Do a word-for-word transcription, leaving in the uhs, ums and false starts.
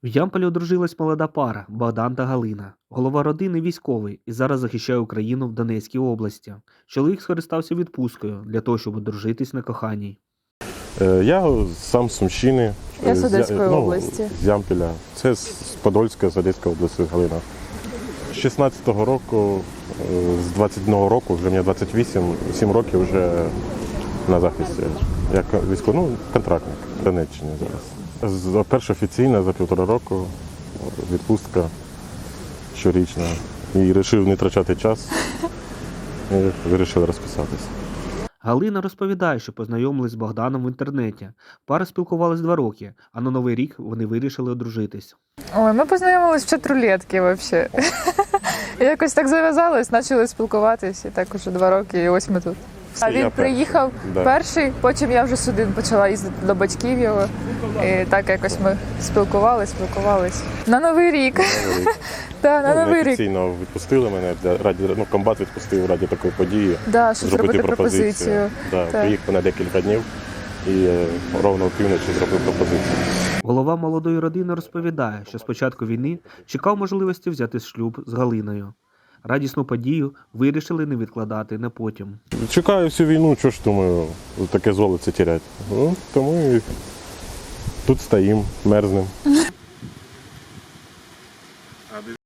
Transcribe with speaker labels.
Speaker 1: В Ямполі одружилась молода пара Богдан та Галина. Голова родини військовий і зараз захищає Україну в Донецькій області. Чоловік скористався відпусткою для того, щоб одружитись на коханій.
Speaker 2: Е, Я сам з Сумщини.
Speaker 3: Я з
Speaker 2: з Я-
Speaker 3: Одеської
Speaker 2: ну,
Speaker 3: області.
Speaker 2: З Ямпіля. Це з Подольська, з Одеської області Галина. З шістнадцятого року, е, з двадцять одного року, вже мені двадцять вісім, сім років вже на захисті. Як військовий, ну, контрактник в Донеччині зараз. З- Перша офіційна за півтора року відпустка щорічна. І вирішив не втрачати час. І вирішив розписатися.
Speaker 1: Галина розповідає, що познайомились з Богданом в інтернеті. Пара спілкувалась два роки, а на Новий рік вони вирішили одружитись.
Speaker 3: Ой, ми познайомились в чат-рулетки взагалі. Якось так зав'язалось, почали спілкуватись, і так уже два роки, і ось ми тут. А
Speaker 2: Я
Speaker 3: він
Speaker 2: перший,
Speaker 3: приїхав
Speaker 2: да.
Speaker 3: перший, потім я вже сюди почала їздити до батьків його. І так якось ми спілкувались, спілкувались. На Новий рік. Так, на
Speaker 2: Ну,
Speaker 3: Новий рік.
Speaker 2: Офіційно відпустили мене для раді, ну, комбат відпустив раді такої події.
Speaker 3: Да, щоб зробити пропозицію.
Speaker 2: Да,
Speaker 3: Так.
Speaker 2: приїхав на декілька днів і е, ровно в півночі зробив пропозицію.
Speaker 1: Голова молодої родини розповідає, що з початку війни чекав можливості взяти шлюб з Галиною. Радісну подію вирішили не відкладати на потім.
Speaker 2: Чекаю всю війну, що ж думаю, таке золоце тіряти. Ну, тому і тут стоїм, мерзнем.